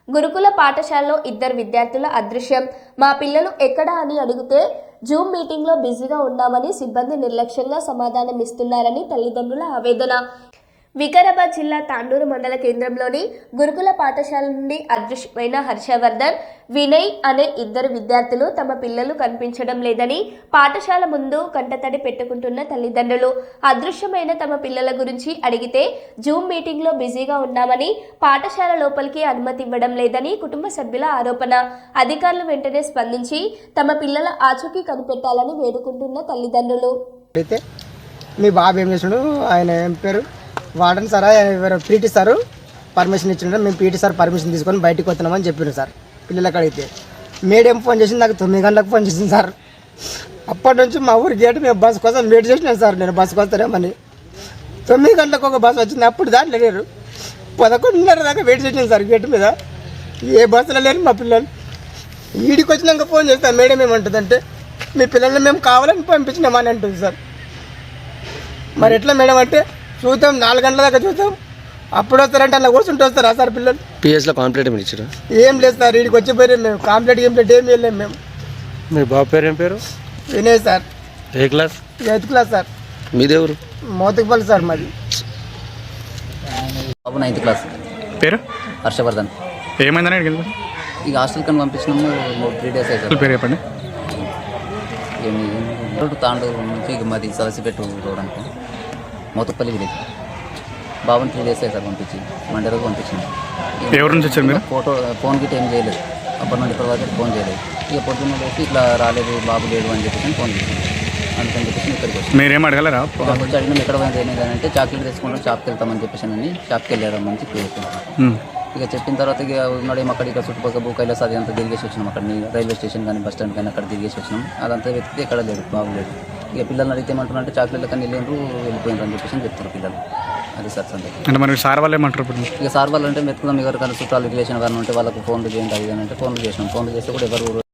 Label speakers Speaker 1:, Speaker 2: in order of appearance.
Speaker 1: గురుకుల పాఠశాలలో ఇద్దరు విద్యార్థుల అదృశ్యం. మా పిల్లలు ఎక్కడా అని అడిగితే జూమ్ మీటింగ్లో బిజీగా ఉన్నామని సిబ్బంది నిర్లక్ష్యంగా సమాధానం ఇస్తున్నారని తల్లిదండ్రుల ఆవేదన. వికారాబాద్ జిల్లా తాండూరు మండల కేంద్రంలోని గురుకుల పాఠశాల నుండి అదృశ్యమైన హర్షవర్ధన్, వినయ్ అనే ఇద్దరు విద్యార్థులు తమ పిల్లలు కనిపించడం లేదని పాఠశాల ముందు కంటతడి పెట్టుకుంటున్న తల్లిదండ్రులు. అదృశ్యమైన తమ పిల్లల గురించి అడిగితే జూమ్ మీటింగ్లో బిజీగా ఉన్నామని, పాఠశాల లోపలికి అనుమతి ఇవ్వడం లేదని కుటుంబ సభ్యుల ఆరోపణ. అధికారులు వెంటనే స్పందించి తమ పిల్లల ఆచూకీ కనిపెట్టాలని వేడుకుంటున్న తల్లిదండ్రులు.
Speaker 2: అయితే మీ బాబు ఏం చేసాడు, ఆయన ఏం పేరు వాడని సార్, పీటీ సార్ పర్మిషన్ ఇచ్చిండ్రు. మేము పీటీ సార్ పర్మిషన్ తీసుకొని బయటకు వస్తున్నామని చెప్పారు సార్. పిల్లలకి అడిగితే మేడం ఫోన్ చేసింది, నాకు 9 గంటలకు ఫోన్ చేసింది సార్. అప్పటి నుంచి మా ఊరి గేట్ మేము బస్సు కోసం వెయిట్ చేసినాను సార్. నేను బస్సుకు వస్తారేమని 9 గంటలకు ఒక బస్సు వచ్చింది. అప్పుడు దాంట్లో లేరు. 11:30 దాకా వెయిట్ చేసినాను సార్ గేట్ మీద. ఏ బస్సులో లేరు మా పిల్లలు. ఈడికి వచ్చినాక ఫోన్ చేస్తాను. మేడం ఏమంటుందంటే మీ పిల్లల్ని మేము కావాలని పంపించినామని అంటుంది సార్. మరి ఎట్లా మేడం అంటే చూద్దాం, 4 గంటల దాకా చూద్దాం, అప్పుడు వస్తారంటే అలా కూర్చుంటూ వస్తారా సార్ పిల్లలు?
Speaker 3: పిఎస్లో కాంప్లీట్ ఏమి ఇచ్చారు?
Speaker 2: ఏం లేదు సార్, వీడికి వచ్చిపోయారు. మేము కాంప్లీట్ ఏం వెళ్ళాము మేము.
Speaker 3: మీ బాబు పేరు ఏం పేరు?
Speaker 2: వినయ్ సార్.
Speaker 3: ఏ క్లాస్?
Speaker 2: 8th class sir.
Speaker 3: మీదేవరు?
Speaker 2: మోతుకుపల్లి సార్ మాది.
Speaker 4: బాబు 9th క్లాస్.
Speaker 5: పేరు?
Speaker 4: హర్షవర్ధన్.
Speaker 5: ఏమైందని అడిగింది?
Speaker 4: ఇక హాస్టల్ కని పంపించినాము. 3 days అవుతుంది.
Speaker 5: పేరు చెప్పండి.
Speaker 4: ఏమి తాండూరు నుంచి ఇక మాది సలసిపెట్టు రోడ్ అనుకో, మోతుపల్లి విలేజ్. బాబుని 3 days అవుతుంది పంపించి, మండే రోజు పంపించింది.
Speaker 5: ఎవరి నుంచి వచ్చారు మీరు?
Speaker 4: ఫోన్ గిట్ ఏం చేయలేదు. అప్పటి నుండి ఇప్పటి వరకు ఫోన్ చేయలేదు. ఇక పొద్దున్న లేచి ఇట్లా రాలేదు, బాబు లేడు అని చెప్పేసి ఫోన్ చేసింది. అందుకని చెప్పేసి ఇక్కడికి వచ్చి
Speaker 5: మీరేం అడగలరా?
Speaker 4: వచ్చి అడిగినాం ఎక్కడ పోయింది ఏంటంటే చాక్లెట్ తెచ్చుకుంటాం, షాప్కి వెళ్తామని చెప్పేసి అని షాప్కి వెళ్ళారని చెప్పి ఇక చెప్పిన తర్వాత ఇక ఉన్నాడేమో అక్కడ ఇక్కడ చుట్టుపక్కల భూకైలాస్ అది అంతా తిరిగేసి వచ్చినాం. అక్కడ రైల్వే స్టేషన్ కానీ బస్ స్టాండ్ కానీ అక్కడ తిరిగేసి వచ్చినాం. అదంతా వెతికితే ఎక్కడ లేదు, బాగులేదు. ఇక పిల్లల్ని అడిగితే ఏమంటున్నారంటే చాక్లెట్లు కానీ వెళ్ళిపోయినారు అని చెప్పేసి చెప్తారు పిల్లలు. అది సార్ సంగతి.
Speaker 5: అంటే మరి సార్ వాళ్ళు ఏమంటారు?
Speaker 4: ఇక సార్ వాళ్ళు అంటే వెతుకుదాం, ఎవరికైనా చుట్టాలు రిలేషన్ కానీ ఉంటే వాళ్ళకు ఫోన్లు చేయండి అది అని అంటే ఫోన్లు చేసినాం. ఫోన్లు చేస్తే కూడా ఎవరు